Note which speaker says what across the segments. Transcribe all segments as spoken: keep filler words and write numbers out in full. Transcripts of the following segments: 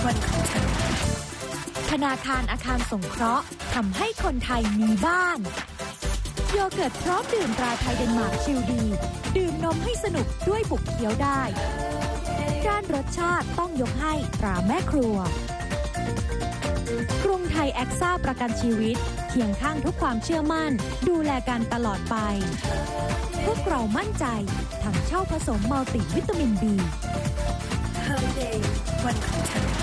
Speaker 1: วันของเธอธนาคารอาคารสงเคราะห์ทำให้คนไทยมีบ้านโยเกิร์ตพร้อมดื่มตราไทยเดนมาร์กชิลดีดื่มนมให้สนุกด้วยบุกเคี้ยวได้ด้านรสชาติต้องยกให้ตราแม่ครัวกรุงไทยแอคซ่าประกันชีวิตเคียงข้างทุกความเชื่อมั่นดูแลกันตลอดไปพวกเรามั่นใจทั้งเช่าผสมมัลติวิตามิน บี Her Day วันของเธอ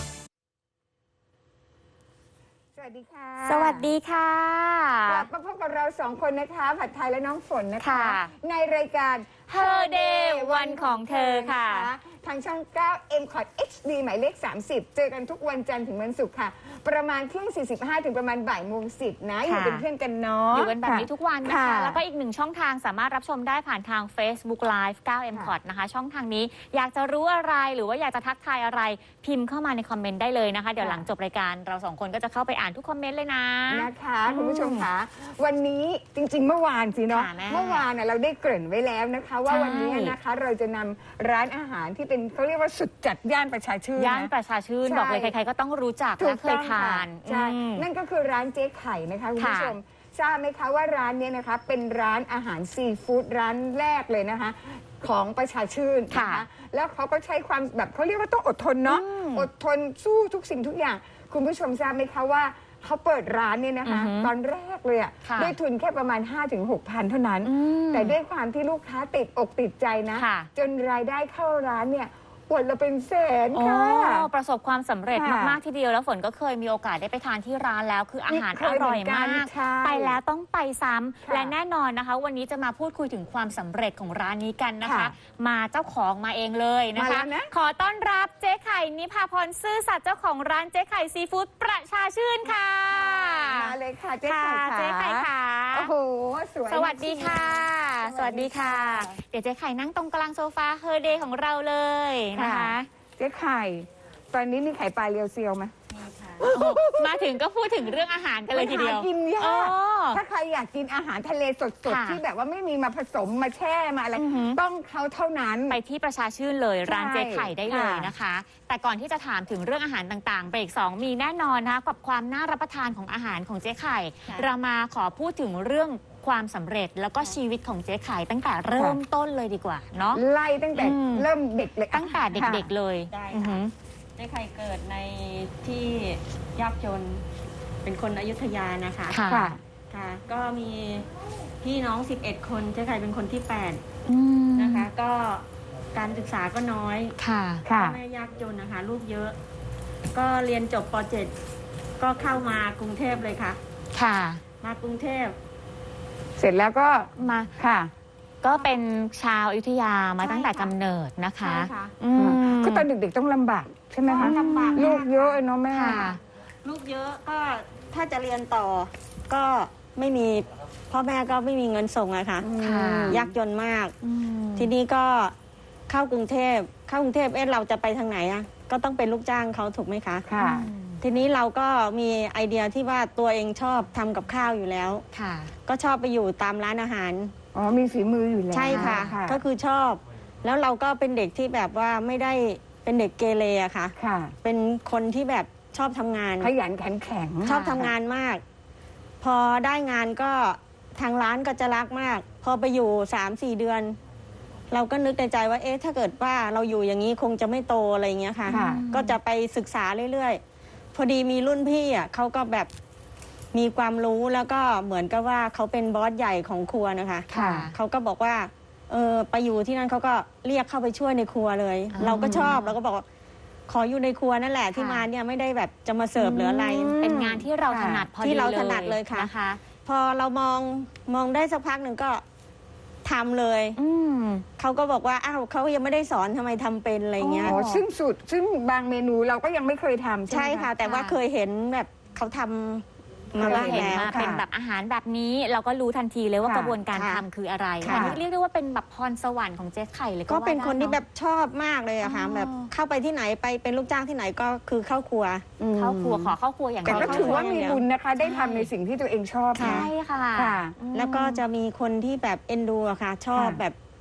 Speaker 2: สวัสดีค่ะ
Speaker 3: สวัสดีค่ะ
Speaker 2: กลับมาพบกับเราสองคนนะคะผัดไทยและน้องฝนนะคะในรายการ
Speaker 3: Her Day วันของเธอค่ะ
Speaker 2: ทางช่อง เก้า เอ็ม คอร์ด เอช ดี หมายเลข สามสิบ เจอกันทุกวันจันทร์ถึงวันศุกร์ค่ะประมาณเที่ยง สี่สิบห้า ถึงประมาณบ่ายโมงสิบนะอยู่เป็นเพื่อนกันเนาะ
Speaker 3: อยู่กันแบบนี้ทุกวันนะคะแล้วก็อีกหนึ่งช่องทางสามารถรับชมได้ผ่านทาง Facebook Live เก้า เอ็ม คอร์ด นะคะช่องทางนี้อยากจะรู้อะไรหรือว่าอยากจะทักทายอะไรพิมพ์เข้ามาในคอมเมนต์ได้เลยนะคะเดี๋ยวหลังจบรายการเราสองคนก็จะเข้าไปอ่านทุกคอมเมนต์เลยนะ
Speaker 2: นะคะคุณผู้ชมคะวันนี้จริงๆเมื่อวานสิเนาะเมื่อวานเราได้เกริ่นไว้แล้วนะคะว่าวันนี้นะคะเราจะนำร้านอาหารที่เป็นเขาเรียกว่าสุดจัดย่านประชาชื่น
Speaker 3: ย่านประชาชื่นบอกเลยใครๆก็ต้องรู้จักและเคยทาน
Speaker 2: ใช่นั่นก็คือร้านเจ๊ไข่นะคะคุณผู้ชมทราบไหมคะว่าร้านนี้นะคะเป็นร้านอาหารซีฟู้ดร้านแรกเลยนะคะของประชาชื่นนะคะแล้วเขาก็ใช้ความแบบเขาเรียกว่าต้องอดทนเนาะอดทนสู้ทุกสิ่งทุกอย่างคุณผู้ชมทราบไหมคะว่าเขาเปิดร้านเนี่ยนะคะตอนแรกเลยอ่ะด้วยทุนแค่ประมาณ ห้าถึงหกพัน เท่านั้นแต่ด้วยความที่ลูกค้าติดอกติดใจนะจนรายได้เข้าร้านเนี่ยวันละเป็นแสนค่ะ
Speaker 3: ประสบความสำเร็จมากๆทีเดียวแล้วฝนก็เคยมีโอกาสได้ไปทานที่ร้านแล้วคืออาหารอร่อยมากไปแล้วต้องไปซ้ำและแน่นอนนะคะวันนี้จะมาพูดคุยถึงความสำเร็จของร้านนี้กันนะคะมาเจ้าของมาเองเลยนะคะขอต้อนรับเจ๊ไข่นิพาพรซื่อสัตย์เจ้าของร้านเจ๊ไข่ซีฟู้ดประชาชื่นค่ะ
Speaker 2: มาเลยค่ะเจ๊ไข่
Speaker 3: เจ๊ไข่ค่ะ
Speaker 2: โอ้โหสวย
Speaker 3: สวัสดีค่ะสวัสดีค่ะเดี๋ยวเจ๊ไข่นั่งตรงกลางโซฟาเฮอร์เดย์ของเราเลยนะคะ
Speaker 2: เจ๊ไข่ตอนนี้มีไข่ปลาเรียวเซียวไหม
Speaker 3: มาถึงก็พูดถึงเรื่องอาหารกันเลยทีเดียว
Speaker 2: กินยากถ้าใครอยากกินอาหารทะเลสดๆที่แบบว่าไม่มีมาผสมมาแช่มาอะไรต้องเขาเท่านั้น
Speaker 3: ไปที่ประชาชื่นเลยร้านเจ๊ไข่ได้เลยนะคะแต่ก่อนที่จะถามถึงเรื่องอาหารต่างๆเบรกสองมีแน่นอนนะคะกับความน่ารับประทานของอาหารของเจ๊ไข่เรามาขอพูดถึงเรื่องความสำเร็จแล้วก็ชีวิตของเจ๊ไข่ตั้งแต่เริ่มต้นเลยดีกว่าเนาะ
Speaker 2: ไล่ตั้งแต่เริ่มเด็กเลย
Speaker 3: ตั้งแต่เด็กๆเลย
Speaker 4: ได้ค่ะเจ๊ไข่เกิดในที่ยากจนเป็นคนอยุธยานะคะ
Speaker 3: ค่ะ
Speaker 4: ค่ะก็มีพี่น้องสิบเอ็ดคนเจ๊ไข่เป็นคนที่แปดนะคะก็การศึกษาก็น้อย
Speaker 3: ค่ะ
Speaker 4: พ่อแม่ยากจนนะคะลูกเยอะ ก็เรียนจบป เจ็ด ก็เข้ามากรุงเทพเลยค่ะ
Speaker 3: ค่ะ
Speaker 4: มากรุงเทพ
Speaker 2: เสร็จแล้วก็
Speaker 3: มา
Speaker 2: ค่ะ
Speaker 3: ก็เป็นชาวอยุธยามาตั้งแต่กำเนิดนะคะ
Speaker 2: ก็ตอนเด็กๆต้องลำบากใช่ไหมคะ
Speaker 4: ลำบาก
Speaker 2: ลูกเยอะเนาะแม่
Speaker 4: ลูกเยอะก็ถ้าจะเรียนต่อก็ไม่มีพ่อแม่ก็ไม่มีเงินส่งอะค่ะยากจนมากทีนี้ก็เข้ากรุงเทพเข้ากรุงเทพเอ๊ะเราจะไปทางไหนอะก็ต้องเป็นลูกจ้างเขาถูกไหมคะ
Speaker 2: ค่ะ
Speaker 4: ทีนี้เราก็มีไอเดียที่ว่าตัวเองชอบทำกับข้าวอยู่แล้ว
Speaker 3: ค่ะ
Speaker 4: ก็ชอบไปอยู่ตามร้านอาหาร
Speaker 2: อ๋อมีฝีมืออยู่แล้ว
Speaker 4: ใช่ค่ะก็คือชอบแล้วเราก็เป็นเด็กที่แบบว่าไม่ได้เป็นเด็กเกเรอะค่ะ
Speaker 2: ค่ะ
Speaker 4: เป็นคนที่แบบชอบทำงาน
Speaker 2: ขยันขันแข็ง
Speaker 4: ชอบทำงานมากพอได้งานก็ทางร้านก็จะรักมากพอไปอยู่สามสี่เดือนเราก็นึกในใจว่าเอ๊ะถ้าเกิดว่าเราอยู่อย่างนี้คงจะไม่โตอะไรอย่างเงี้ยค่ะก็จะไปศึกษาเรื่อยๆพอดีมีรุ่นพี่อ่ะเขาก็แบบมีความรู้แล้วก็เหมือนกับว่าเขาเป็นบอสใหญ่ของครัวนะคะเขาก็บอกว่าเออไปอยู่ที่นั่นเขาก็เรียกเข้าไปช่วยในครัวเลยเราก็ชอบเราก็บอกขออยู่ในครัวนั่นแหละที่มาเนี่ยไม่ได้แบบจะมาเสิร์ฟหรืออะไร
Speaker 3: เป็นงานที่เราถนัดพอดีเลย
Speaker 4: ที่เราถนัดเลยค่ะพอเรามองมองได้สักพักหนึ่งก็ทำเลยเขาก็บอกว่าอ้าวเขายังไม่ได้สอนทำไมทำเป็นอะไรเงี้ย
Speaker 2: ซึ่งสูตรซึ่งบางเมนูเราก็ยังไม่เคยทำ
Speaker 4: ใช่ค่ะแต่ว่าเคยเห็นแบบเขาทำ
Speaker 3: มาบ้างแล้วเป็นแบบอาหารแบบนี้เราก็รู้ทันทีเลยว่ากระบวนการทำคืออะไรอันนี้เรียกได้ว่าเป็นแบบพรสวรรค์ของเจ๊ไข่เลย
Speaker 4: ก็เป็นคนที่แบบชอบมากเลยอะค่ะแบบเข้าไปที่ไหนไปเป็นลูกจ้างที่ไหนก็คือเข้าครัว
Speaker 3: เข้าครัวขอเข้าครัวอย่าง
Speaker 2: แต่ก็ถือว่ามีบุญนะคะได้ทำในสิ่งที่ตัวเองชอบ
Speaker 3: ใช่ค่ะ
Speaker 4: แล้วก็จะมีคนที่แบบเอ็นดูอะค่ะชอบแบบ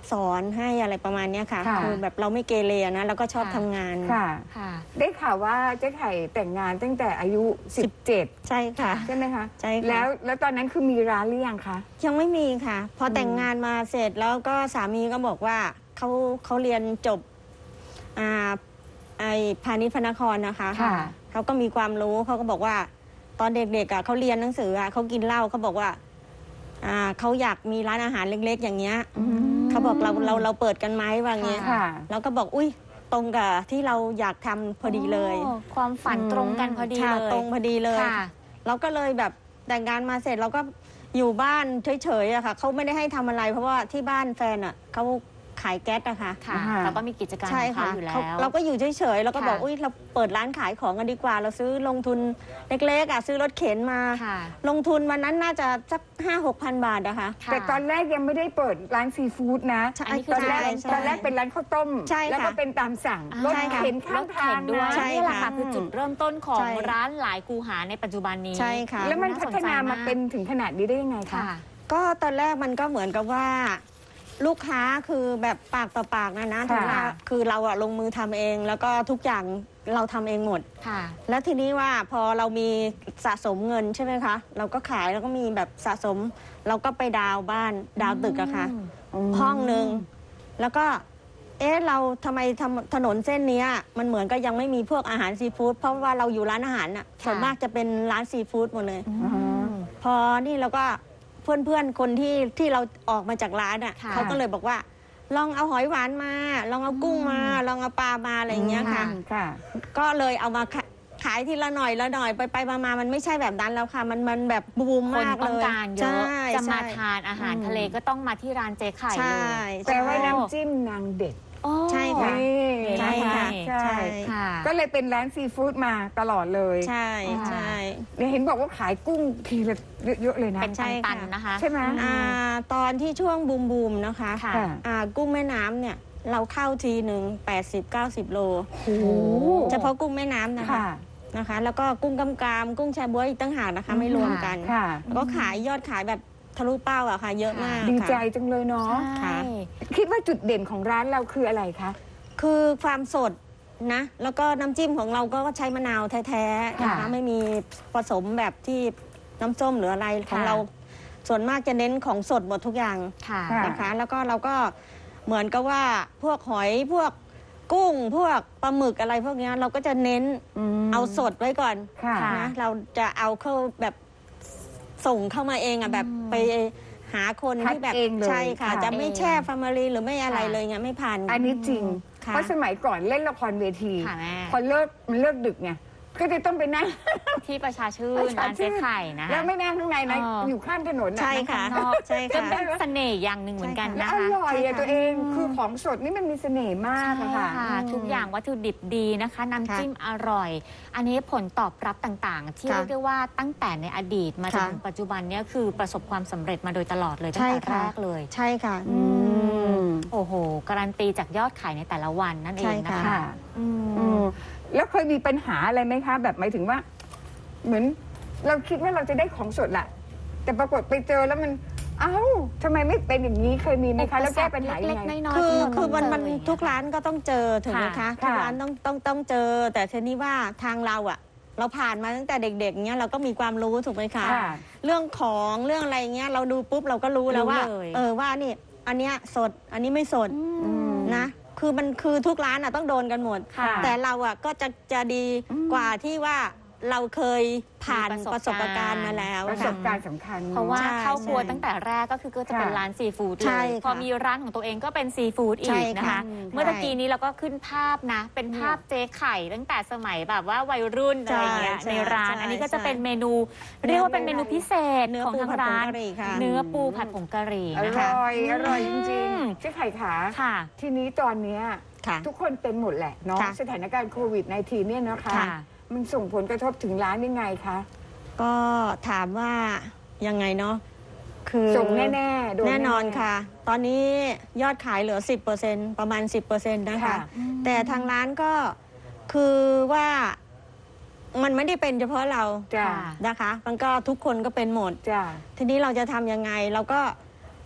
Speaker 4: สอนให้อะไรประมาณเนี้ยค่ะ
Speaker 2: ค่ะ
Speaker 4: คือแบบเราไม่เกเรนะแล้วก็ชอบ
Speaker 3: ค่ะ
Speaker 4: ทำงาน
Speaker 2: ค่ะ
Speaker 3: ค่ะ
Speaker 2: ได้ข่าวว่าเจ๊ไข่แต่งงานตั้งแต่อายุสิบเจ็ด
Speaker 4: ใช่ค่ะ
Speaker 2: ใช่ไหมคะ
Speaker 4: ใช่ค่ะ
Speaker 2: แล้วแล้วตอนนั้นคือมีร้านหรือยังคะ
Speaker 4: ยังไม่มีค่ะ พอแต่งงานมาเสร็จแล้วก็สามีก็บอกว่าเขาเขาเรียนจบอ่าไอพาณิชย์พระนครนะคะ
Speaker 2: ค่ะ
Speaker 4: เขาก็มีความรู้เขาก็บอกว่า ตอนเด็กๆอ่ะเขาเรียนหนังสืออ่ะเขากินเหล้าเขาบอกว่าอ่าเขาอยากมีร้านอาหารเล็กๆ อย่างเงี้ยเขาบอกเราเราเราเปิดกันไหมว่างี้
Speaker 2: ค่ะ
Speaker 4: เราก็บอกอุ้ยตรงกับที่เราอยากทำพอดีเลย
Speaker 3: โอ้ความฝันตรงกันพอดี
Speaker 4: ค่ะ
Speaker 3: เลย
Speaker 4: ตรงพอดีเลย
Speaker 3: ค่ะ
Speaker 4: เราก็เลยแบบแต่งงานมาเสร็จเราก็อยู่บ้านเฉยๆอะค่ะเขาไม่ได้ให้ทำอะไร เพราะว่าที่บ้านแฟนอะเขาขายแก๊สอะค่ะ
Speaker 3: ค่ะ
Speaker 2: อ่า
Speaker 3: แล้วก็มีกิจการข
Speaker 4: ใช่
Speaker 3: องเขา
Speaker 4: ค่ะ
Speaker 3: อยู่แล้
Speaker 4: เขา
Speaker 3: ว
Speaker 4: เราก็อยู่เฉยๆแล้วก็บอก
Speaker 3: ค่ะ
Speaker 4: อุ้ยเราเปิดร้านขายของกันดีกว่า เราซื้อลงทุนเล็กๆอะซื้อรถเข็นมา
Speaker 3: ค่ะ
Speaker 4: ลงทุนวันนั้นน่าจะสักห้าหกพันบาทอะค่ะ
Speaker 3: ค่ะ
Speaker 2: แต่ตอนแรกยังไม่ได้เปิดร้านซีฟู้ดนะ
Speaker 4: ใช่
Speaker 3: อันนี้คื
Speaker 2: ตอนแรก
Speaker 4: ใช่ใช่
Speaker 2: ตอนแรกเป็นร้านข้าวต้ม
Speaker 4: ใช่ค่ะ
Speaker 2: แล้วก็เป็นตามสั่ง
Speaker 3: อ่าร
Speaker 2: ถ
Speaker 4: ใช่ค่ะ
Speaker 2: เข็นข้าง
Speaker 3: รถ
Speaker 2: ทา
Speaker 3: เข็
Speaker 2: ง
Speaker 3: นด้วย
Speaker 2: นะ
Speaker 4: ใช่
Speaker 3: นี่แหละค่ะ
Speaker 4: ค่ะ
Speaker 3: คือจุดเริ่มต้นของ
Speaker 4: ใช่
Speaker 3: ร้านหลายกูหาในปัจจุบันนี้
Speaker 4: ใช่ค่ะ
Speaker 2: แล้วมันพัฒนามาเป็น
Speaker 3: น่สใจ
Speaker 2: ถึงขนาดนี้ได้ยังไงคะ
Speaker 3: ค่ะ
Speaker 4: ก็ตอนแรกมันก็เหมือนกับว่า ลูกค้าคือแบบปากต่อปากนะนะ
Speaker 2: ค่ะ
Speaker 4: ถึงว่าคือเราอะลงมือทำเอง แล้วก็ทุกอย่างเราทำเองหมด
Speaker 3: ค่ะ
Speaker 4: แล้วทีนี้ว่าพอเรามีสะสมเงินใช่ไหมคะ เราก็ขายแล้วก็มีแบบสะสม เราก็ไปดาวน์บ้านดาวน์ตึกอะค่ะ ห้องหนึ่งแล้วก็เอ๊ะเราทำไมทำถนนเส้นเนี้ยมันเหมือนก็ยังไม่มีพวกอาหารซีฟู้ดเพราะว่าเราอยู่ร้านอาหารน่ะส่วนมากจะเป็นร้านซีฟู้ดหมดเลย พอนี่เราก็เพื่อนๆคนที่ที่เราออกมาจากร้านอ่ะ
Speaker 3: ค่ะ
Speaker 4: เขาก็เลยบอกว่า ลองเอาหอยหวานมา ลองเอากุ้งมา ลองเอาปลามาอะไรอย่างเงี้ยค่ะ
Speaker 2: ค่ะ
Speaker 4: ก็เลยเอามาขะขายทีละหน่อยละหน่อยไปไปมามามันไม่ใช่แบบนั้นแล้วค่ะ มันมันแบบบูม
Speaker 3: คน
Speaker 4: มาก
Speaker 3: ต้
Speaker 4: เล
Speaker 3: อง
Speaker 4: ย
Speaker 3: การเย
Speaker 4: ใช่
Speaker 3: อะ จะมา
Speaker 4: ใช่
Speaker 3: ทานอาหารทะเลก็ต้องมาที่ร้านเจ๊ไข่
Speaker 4: ใช่
Speaker 3: เลย
Speaker 2: แต่ว่า
Speaker 4: ใช่
Speaker 2: น้ำจิ้มนางเด็ด
Speaker 3: โอ้
Speaker 4: ใช่ค่ะ
Speaker 2: นี่
Speaker 4: ใช่
Speaker 2: น
Speaker 4: ค่ะ
Speaker 2: ใช่
Speaker 4: ใช่
Speaker 3: ค่ะ
Speaker 2: ก็เลยเป็นร้านซีฟู้ดมาตลอดเลย
Speaker 4: ใช่ใช่
Speaker 2: เนี่ยเห็นบอกว่าขายกุ้งทีละเยอะๆเลยนะ
Speaker 3: เป็น
Speaker 4: ใช่ค่ะ
Speaker 3: ตันๆนะคะ
Speaker 2: ใช่ไหม
Speaker 4: อ่าตอนที่ช่วงบูมบูมๆนะคะ
Speaker 3: ค่ะ
Speaker 4: อ่ากุ้งแม่น้ำเนี่ยเราเข้าทีหนึ่งแปดสิบเก้าสิบโล
Speaker 2: โอ้โห
Speaker 4: เฉพาะกุ้งแม่น้ำนะคะ
Speaker 2: ค่ะ
Speaker 4: นะคะ แล้วก็กุ้งกำกามกุ้งแชบ๊วยอีกตั้งหากนะคะ ไม่รวมกัน
Speaker 2: ค่ะ
Speaker 4: แล้วก็ขายยอดขายแบบทะลุเป้าอะค่ะ เยอะมาก
Speaker 2: ดีใจ
Speaker 4: ค่ะ
Speaker 2: จังเลยเนาะ
Speaker 3: ใช่
Speaker 2: คิดว่าจุดเด่นของร้านเราคืออะไรคะ
Speaker 4: คือความสดนะ แล้วก็น้ำจิ้มของเราก็ใช้มะนาวแท้ๆนะคะ
Speaker 2: ค่ะ
Speaker 4: ไม่มีผสมแบบที่น้ำส้มหรืออะไรของ
Speaker 3: ค่ะ
Speaker 4: เราส่วนมากจะเน้นของสดหมดทุกอย่าง
Speaker 3: ค่ะ
Speaker 2: ค่ะ
Speaker 4: นะคะ แล้วก็เราก็เหมือนกับว่าพวกหอยพวกกุ้ง พวกปลาหมึกอะไรพวกเนี้ยเราก็จะเน้น
Speaker 2: ม
Speaker 4: เอาสดไว้ก่อน
Speaker 2: ค่ะ
Speaker 3: ค่ะ
Speaker 4: นะเราจะเอาเข้าแบบส่งเข้ามาเองอ่ะแบบไปหาคน
Speaker 2: คัด
Speaker 4: ที่แบบ
Speaker 2: เองเลย
Speaker 4: ใช่ค่ะ
Speaker 2: ค่ะ
Speaker 4: จะไม่แช่ฟาร์มารีหรือไม่อะไร
Speaker 3: ค่ะ
Speaker 4: เลยเงี้ยไม่ผ่าน
Speaker 2: อันนี้จริง
Speaker 4: ค่ะ
Speaker 2: เพราะสมัยก่อนเล่นละครเวที
Speaker 3: ค่ะแม่
Speaker 2: พอเลิกมันเลิกดึกไงก็จะต้องไปนั่ง
Speaker 3: ที่ประชาชื่น
Speaker 2: ประชา
Speaker 3: ร้าน
Speaker 2: ชื่
Speaker 3: เจ๊
Speaker 2: น
Speaker 3: ไข่นะคะ
Speaker 2: แล้วไม่นั่งข้างในนะ
Speaker 3: เออ
Speaker 2: อ
Speaker 3: อ
Speaker 2: ยู่ข้างถนนน่
Speaker 4: ใช่ค่ะ
Speaker 3: ข้างนอก
Speaker 4: ใช่
Speaker 3: ก็
Speaker 4: ค่ะ
Speaker 3: เป็นเสน่ห์อย่างหนึ่งเหมือนกัน
Speaker 2: แล้ว
Speaker 3: นะ
Speaker 2: อ
Speaker 3: คะ
Speaker 2: ร่อยอะ
Speaker 4: ใช่ค่ะ
Speaker 2: ตัวเองคือของสดนี่มันมีเสน่ห์มากอะค่ะ
Speaker 3: ใช่ค่ะ ทุกอย่างวัตถุดิบดีนะคะ น้ำจิ้มอร่อย อันนี้ผลตอบรับต่างๆ ที่
Speaker 4: ค่ะ
Speaker 3: เรียกได้ว่าตั้งแต่ในอดีตมาจน
Speaker 4: ค่ะ
Speaker 3: ถึงปัจจุบันเนี้คือประสบความสำเร็จมาโดยตลอดเลยตั้ง
Speaker 4: ใช่
Speaker 3: แต่
Speaker 4: ค่ะ
Speaker 3: แรกเลย
Speaker 4: ใช่ค่ะ
Speaker 2: อืม
Speaker 3: โอ้โห การันตีจากยอดขายในแต่ละวันนั่นเองนะ
Speaker 4: ใช่
Speaker 3: คะ
Speaker 4: ค่ะ
Speaker 2: ค่ะ
Speaker 3: อืม
Speaker 2: อืมแล้วเคยมีปัญหาอะไรไหมคะ แบบหมายถึงว่า เหมือนเราคิดว่าเราจะได้ของสดแหละแต่ปรากฏไปเจอแล้วมัน เอ้าทำไมไม่เป็นอย่างนี้เคยมีไหมคะ แล้วแก้ปัญหายัง
Speaker 3: เล็ก
Speaker 2: ไง
Speaker 3: ๆน้อยๆ
Speaker 4: คือ
Speaker 3: ที่เรา
Speaker 4: คือมัน
Speaker 3: ต้
Speaker 4: มั
Speaker 3: ง
Speaker 4: น
Speaker 3: เจอ
Speaker 4: ทุกร้านก็ต้องเจอถูกไหมคะ
Speaker 3: ค่ะ
Speaker 4: ทุกร้านต้องต้องต้องเจอ แต่ทีนี้ว่าทางเราอะเราผ่านมาตั้งแต่เด็กๆเนี้ยเราก็มีความรู้ถูกไหมคะ
Speaker 2: ค่ะ
Speaker 4: เรื่องของเรื่องอะไรเงี้ยเราดูปุ๊บเราก็รู้แล้วว่า
Speaker 3: รู้เลย
Speaker 4: เออว่านี่อันเนี้ยสดอันนี้ไม่สด
Speaker 3: อืม
Speaker 4: นะคือมันคือทุกร้านอ่ะต้องโดนกันหมด
Speaker 3: ค่ะ
Speaker 4: แต่เราอ่ะก็จะจะดีกว่าที่ว่าเราเคยผ่าน
Speaker 3: มี
Speaker 4: ป
Speaker 3: ประ ระ
Speaker 4: ส
Speaker 3: ส
Speaker 4: บบ
Speaker 3: การณ์
Speaker 4: การณ์มาแล้ว
Speaker 2: ประส
Speaker 4: ค่ะ
Speaker 2: บการณ์สำคัญ
Speaker 3: เพราะว่า
Speaker 4: ใช่
Speaker 3: เข้าครัว
Speaker 4: ใช่
Speaker 3: ตั้งแต่แรกก็คือก็จะเป็น
Speaker 2: ค่ะ
Speaker 3: ร้านซีฟู้ดเล
Speaker 4: ใช่
Speaker 3: ย
Speaker 4: ค่ะ
Speaker 3: พอมีร้านของตัวเองก็เป็นซีฟู้ดอี
Speaker 4: ใช่
Speaker 3: กนะคะ
Speaker 4: ค่ะ
Speaker 3: เมื่อตะกี้นี้เราก็ขึ้นภาพนะ เป็นภาพเจ๊ไข่ตั้งแต่สมัยแบบว่าวัยรุ่นอะไรเงี้ย
Speaker 4: ใช่
Speaker 3: ในร้าน
Speaker 4: ใช่
Speaker 3: อันนี้ก็จะ
Speaker 4: ใช่
Speaker 3: เป็นเมนู เรียกว่าเป็นเมนูพิเศษ
Speaker 4: เนื้อ
Speaker 3: ของ
Speaker 4: ปู
Speaker 3: ทาง
Speaker 4: ผัดผง
Speaker 3: ร้าน
Speaker 4: กะหรี่ค่ะ
Speaker 3: เนื้อปูผัดผงกะหรี่
Speaker 2: อ
Speaker 3: นะคะ
Speaker 2: ร่อย อร่อยจ
Speaker 3: อื
Speaker 2: ริง
Speaker 3: ม
Speaker 2: ๆเจ๊ไข่ขา
Speaker 3: ค่ะ
Speaker 2: ทีนี้ตอนเนี้ย
Speaker 4: ค่ะ
Speaker 2: ทุกคนเป็นหมดแหละเนาะ
Speaker 4: ค่ะ
Speaker 2: สถานการณ์โควิด สิบเก้า เนี่ยนะคะ
Speaker 3: ค่ะ
Speaker 2: มันส่งผลกระทบถึงร้านยังไงคะ
Speaker 4: ก็ถามว่ายังไงเนาะคือ
Speaker 2: ส่งแน่ๆโดน
Speaker 4: แน่นอน
Speaker 2: ๆ
Speaker 4: ค่ะ ตอนนี้ยอดขายเหลือ สิบเปอร์เซ็นต์ ประมาณ สิบเปอร์เซ็นต์ นะคะ
Speaker 2: ค่ะ
Speaker 4: แต่ทางร้านก็คือว่ามันไม่ได้เป็นเฉพาะเรา
Speaker 2: จ้า
Speaker 3: ค่ะ
Speaker 4: นะคะ มันก็ทุกคนก็เป็นหมด
Speaker 2: จ้า
Speaker 4: ทีนี้เราจะทำยังไงเราก็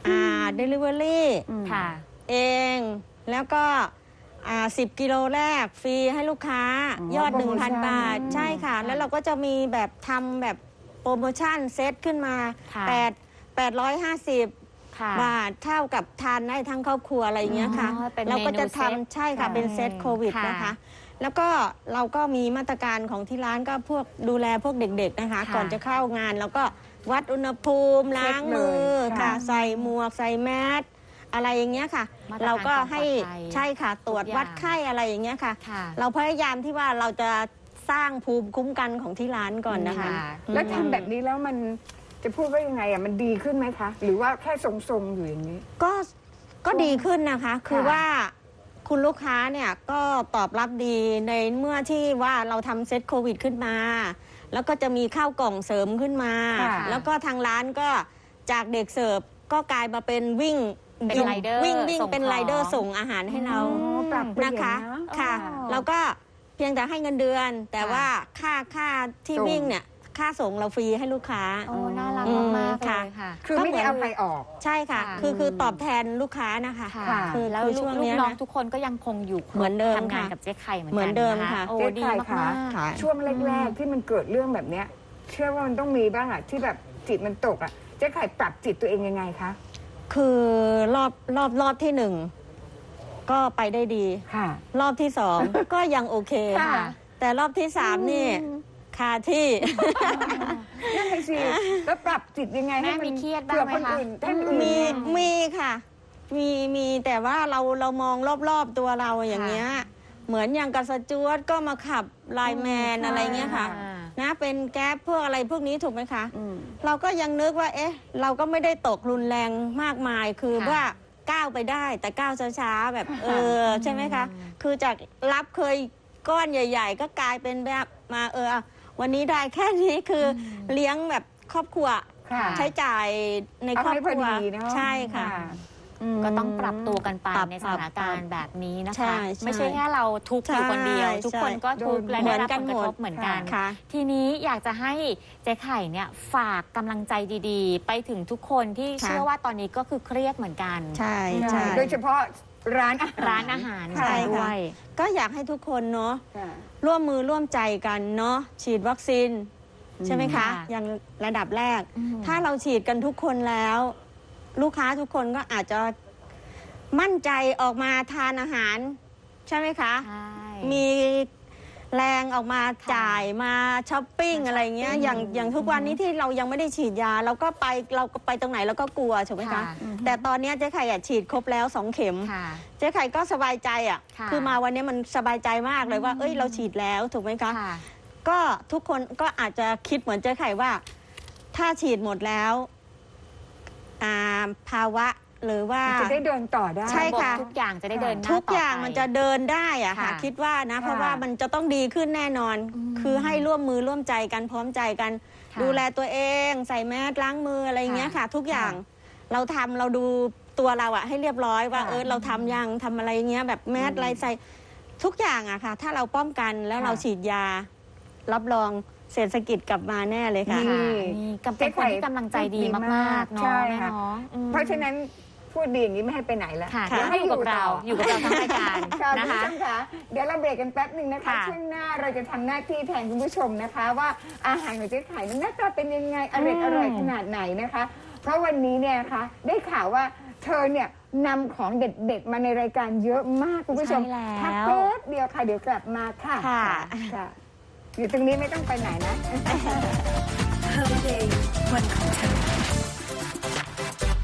Speaker 4: อ่า delivery
Speaker 3: ค่ะ
Speaker 4: เองแล้วก็อ่าสิบกิโลแรกฟรีให้ลูกค้า
Speaker 2: อ๋อย
Speaker 4: อด
Speaker 2: โปรโมชั่น
Speaker 4: หนึ่งพัน บาท ใช่ค่ะ
Speaker 3: ค่ะ
Speaker 4: แล้วเราก็จะมีแบบทำแบบโปรโมชั่นเซตขึ้นมา
Speaker 3: ค่ะ
Speaker 4: แปด แปดร้อยห้าสิบ
Speaker 3: ค่ะ
Speaker 4: บาทเท่ากับทานได้ทั้งครอบครัวอะไรอย่างเงี้ยค่ะ
Speaker 3: อ๋อเป็น
Speaker 4: เราก็จะ
Speaker 3: เมนูเซต
Speaker 4: ทำใช่ค่ะ
Speaker 3: ค่ะ
Speaker 4: เป็นเซตโควิด
Speaker 3: ค่ะ
Speaker 4: นะคะ แล้วก็เราก็มีมาตรการของที่ร้านก็พวกดูแลพวกเด็กๆนะคะ
Speaker 3: ค่ะ
Speaker 4: ก่อนจะเข้างานเราก็วัดอุณหภูมิล้างมือ
Speaker 2: เช็คเลย
Speaker 4: ค่ะ
Speaker 2: ค่ะ
Speaker 4: ใส่หมวกใส่แมสอะไรอย่างเงี้ยค่ะ
Speaker 3: มาตรการ
Speaker 4: เราก็ให้
Speaker 3: ความปลอดภัย
Speaker 4: ใช่ค่ะ ตรวจ
Speaker 3: ทุกอย่าง
Speaker 4: วัดไข้อะไรอย่างเงี้ยค่ะ
Speaker 3: ค่ะ
Speaker 4: เราพยายามที่ว่าเราจะสร้างภูมิคุ้มกันของที่ร้านก่อนนะคะ
Speaker 3: ค่ะ
Speaker 2: แล้วทำแบบนี้แล้วมันจะพูดว่ายังไงอ่ะมันดีขึ้นไหมคะ หรือว่าแค่ทรงๆอยู่อย่างนี้
Speaker 4: ก็ก็ดีขึ้นนะคะ คือ
Speaker 2: ค่ะ
Speaker 4: ว่าคุณลูกค้าเนี่ยก็ตอบรับดีในเมื่อที่ว่าเราทำเซตโควิดขึ้นมา แล้วก็จะมีข้าวกล่องเสริมขึ้นมา
Speaker 2: ค่ะ
Speaker 4: แล้วก็ทางร้านก็จากเด็กเสิร์ฟก็กลายมาเป็นวิ่ง
Speaker 3: เป็น
Speaker 4: วิ่ง
Speaker 3: ไรเดอร์
Speaker 4: วิ่งวิ่ง
Speaker 3: ส่ง
Speaker 4: เป็น
Speaker 3: ของ
Speaker 4: ไรเดอร์ส่งอาหารให้เรา
Speaker 2: อ๋อปรับเปลี่ยน
Speaker 4: นะคะ
Speaker 2: นะ
Speaker 4: ค่ะ
Speaker 3: อ๋อ
Speaker 4: แล้วก็เพียงแต่ให้เงินเดือน แต่
Speaker 3: ค่ะ
Speaker 4: ว่าค่าค่าที่
Speaker 2: ส่ง
Speaker 4: วิ่งเนี่ยค่าส่งเราฟรีให้ลูกค้า
Speaker 3: โอ้น่ารัก
Speaker 4: อืม
Speaker 3: มากๆเล
Speaker 4: ค่ะ
Speaker 3: ยค่ะ
Speaker 2: คือไม่ได้เอาใครออก
Speaker 4: ใช่ค่ะ
Speaker 3: ค่ะ
Speaker 4: คือคือตอบแทนลูกค้านะคะ
Speaker 3: ค่ะ
Speaker 2: ค่ะ
Speaker 4: คือ
Speaker 3: แล้ว
Speaker 4: คือ
Speaker 3: ลู
Speaker 4: ช่
Speaker 3: ก
Speaker 4: วง
Speaker 3: ลู
Speaker 4: เนี้
Speaker 3: ก
Speaker 4: ย
Speaker 3: น้อง
Speaker 4: นะ
Speaker 3: ทุกคนก็ยังคงอยู่ครบ
Speaker 4: เหมือนเดิม
Speaker 3: ทำงาน
Speaker 4: ค่ะ
Speaker 3: กับเจ๊ไข่เหมือนกัน
Speaker 4: เหมือนเดิม
Speaker 3: น
Speaker 4: ค่ะ
Speaker 3: โอ้
Speaker 2: เจ๊
Speaker 3: ดี
Speaker 2: ไข่
Speaker 3: มา
Speaker 2: ค่ะ
Speaker 3: ก
Speaker 4: ค่ะ
Speaker 2: ช่วงแรก ๆ ที่มันเกิดเรื่องแบบเนี้ย เชื่อว่ามันต้องมีบ้างอะที่แบบจิตมันตกอะเจ๊ไข่ปรับจิตตัวเองยังไงคะ
Speaker 4: คือรอบรอบรอบที่หนึ่งก็ไปได้ดี
Speaker 2: ค่ะ
Speaker 4: รอบที่สอง ก็ยังโอเค
Speaker 2: ค่ะ
Speaker 4: แต่รอบที่สามนี่คาที่
Speaker 2: นั่นไงสิแล้วปรับจิตยังไง
Speaker 3: แม่
Speaker 2: ให้น
Speaker 3: มีเครียดบ้างไหม
Speaker 2: เผื่อคน
Speaker 3: คะ
Speaker 2: อื่นท่านอื่น
Speaker 4: มี
Speaker 2: เนี่ย
Speaker 4: มีค่ะ มีมีแต่ว่าเราเรามองรอบๆตัวเราอย่างเงี้ย เหมือนอย่างกับสจวตก็มาขับไลน์แมน
Speaker 2: อืม
Speaker 4: อะไรเงี้ยค่ะ
Speaker 3: อ่า
Speaker 4: นะเป็นแก๊ปพวกอะไรพวกนี้ถูกไหมคะ
Speaker 2: อืม
Speaker 4: เราก็ยังนึกว่า เอ๊ะ เราก็ไม่ได้ตกรุนแรงมากมาย คือ
Speaker 3: ค่ะ
Speaker 4: ว่าก้าวไปได้ แต่ก้าวช้าๆแบบเออใช่ไหมคะ คือจากรับเคยก้อนใหญ่ ๆ ก็กลายเป็นแบบมาเออ วันนี้ได้แค่นี้คืออเลี้ยงแบบครอบครัว
Speaker 2: ค่ะ
Speaker 4: ใช้จ่ายในครอบครัว
Speaker 2: เอาให้พอดีเนอะ
Speaker 4: ใช่ค่ะ
Speaker 2: ม
Speaker 3: ก็ต้องปรับตัวกันไป
Speaker 4: ปรับ
Speaker 3: ในสถานการณ์แบบนี้นะ
Speaker 4: ใช่
Speaker 3: คะ
Speaker 4: ใช่
Speaker 3: ไม่ใช่แค่เราทุกข์อยู่คนเดียว
Speaker 4: ใช่
Speaker 3: ทุกคนก็ทุกข์และ
Speaker 4: เหมื
Speaker 3: ได้
Speaker 4: อน
Speaker 3: รับ
Speaker 4: กั
Speaker 3: ผ
Speaker 4: น
Speaker 3: ลกระ
Speaker 4: หมด
Speaker 3: ทบเหมือนกัน
Speaker 4: ค่ะ
Speaker 3: ทีนี้อยากจะให้เจ๊ไข่เนี่ยฝากกำลังใจดีๆ ไปถึงทุกคนที่
Speaker 4: ค่ะ
Speaker 3: เชื่อว่าตอนนี้ก็คือเครียดเหมือนกัน
Speaker 4: ใช่
Speaker 2: ใช่
Speaker 4: ใช่
Speaker 2: โดยเฉพาะร้านอาหาร
Speaker 3: ร้านอาหาร
Speaker 4: ใช่
Speaker 3: ด้ว
Speaker 4: ค่ะ
Speaker 3: ย
Speaker 4: ก็อยากให้ทุกคนเนาะ
Speaker 2: ค่ะ
Speaker 4: ร่วมมือร่วมใจกันเนาะฉีดวัคซีนใช่ไหมคะ
Speaker 3: ค่ะ
Speaker 4: อย่างระดับแรก
Speaker 3: อืม
Speaker 4: ถ้าเราฉีดกันทุกคนแล้ว ลูกค้าทุกคนก็อาจจะมั่นใจออกมาทานอาหาร ใช่ไหมคะ
Speaker 3: ใช่
Speaker 4: มีแรงออกมา
Speaker 3: ค่ะ
Speaker 4: จ่ายมาช้อปปิ้ง
Speaker 3: มาช้อปปิ้ง
Speaker 4: อะไรเงี้ยอย่างอย่างทุกวันนี้ที่เรายังไม่ได้ฉีดยา เราก็ไปเราก็ไปตรงไหนเราก็กลัวถูกไหมคะ
Speaker 3: ค่ะ
Speaker 4: แต่ตอนเนี้ยเจ๊ไข่อะฉีดครบแล้วสองเข็ม
Speaker 3: ค่ะ
Speaker 4: เจ๊ไข่ก็สบายใจอ่ะ
Speaker 3: ค่ะ
Speaker 4: คือมาวันนี้มันสบายใจมากเลยว่า เอ้ยเราฉีดแล้วถูกไหมคะ
Speaker 3: ค่ะ
Speaker 4: ก็ทุกคนก็อาจจะคิดเหมือนเจ๊ไข่ว่า ถ้าฉีดหมดแล้วอ่าภาวะหรือว่า
Speaker 2: จะได้เดินต่อได้
Speaker 4: ใช่ค่ะ
Speaker 3: ทุกอย่างจะได้เดินหน้า
Speaker 4: ทุกอย่าง
Speaker 3: ต่ไป
Speaker 4: มันจะเดินได้อะค่ะ
Speaker 3: ค่ะ
Speaker 4: คิดว่านะ เพราะว่ามันจะต้องดีขึ้นแน่นอน
Speaker 3: อืม
Speaker 4: คือให้ร่วมมือร่วมใจกันพร้อมใจกัน
Speaker 3: ค่ะ
Speaker 4: ดูแลตัวเอง ใส่แมสล้างมืออะไรอย่างเงี้ยค่ะ ทุกอย่างเราทำเราดูตัวเราอะให้เรียบร้อยว่า
Speaker 2: ค่ะ
Speaker 4: เออเราทำยังทำอะไรเงี้ยแบบแมสอะไรใส่ทุกอย่างอะค่ะ ถ้าเราป้องกันแล้ว
Speaker 2: ค่ะ
Speaker 4: เราฉีดยา รับรองเศรษฐกิจกลับมาแน่เลยค่ะ
Speaker 2: นี่
Speaker 3: ค่ะนี่กำเป็นคนที่กำลังใจดีมากๆเนาะ
Speaker 2: ใช่
Speaker 3: แม่
Speaker 2: ค่ะ
Speaker 3: เนาะอืม
Speaker 2: เพราะฉะนั้นพูดดีอย่างนี้ไม่ให้ไปไหนแล้ว
Speaker 3: ค่ะ
Speaker 2: เดี๋
Speaker 3: เดี๋
Speaker 2: ย
Speaker 3: ยว ว
Speaker 2: ให้
Speaker 3: ให้อยู่กับเรา
Speaker 2: ต่
Speaker 3: อยู่กับเราทั้งรายการ
Speaker 2: ค่ะ
Speaker 3: นะ
Speaker 2: คุณ
Speaker 3: คะ
Speaker 2: ผู้ชมค่ะเดี๋ยวเราเบรกกันแป๊บหนึ่งนะคะ
Speaker 3: ค่ะ
Speaker 2: ช่วงหน้าเราจะทำหน้าที่แทนคุณผู้ชมนะคะ ว่าอาหารของเจ๊ไข่นั้นหน้าตาเป็นยังไงอร่อยอร่อยขนาดไหนนะคะ เพราะวันนี้เนี่ยนะคะได้ข่าวว่าเธอเนี่ยนำของเด็ดๆมาในรายการเยอะมากคุณผู้ชม
Speaker 3: ใช่แล้ว
Speaker 2: พักแป๊บเดียวค่ะเดี๋ยวกลับมาค่ะ
Speaker 4: ค่ะ
Speaker 2: ค่ะอยู่ตรงนี้ไม่ต้องไปไหนนะ
Speaker 1: Holiday วันของเธอ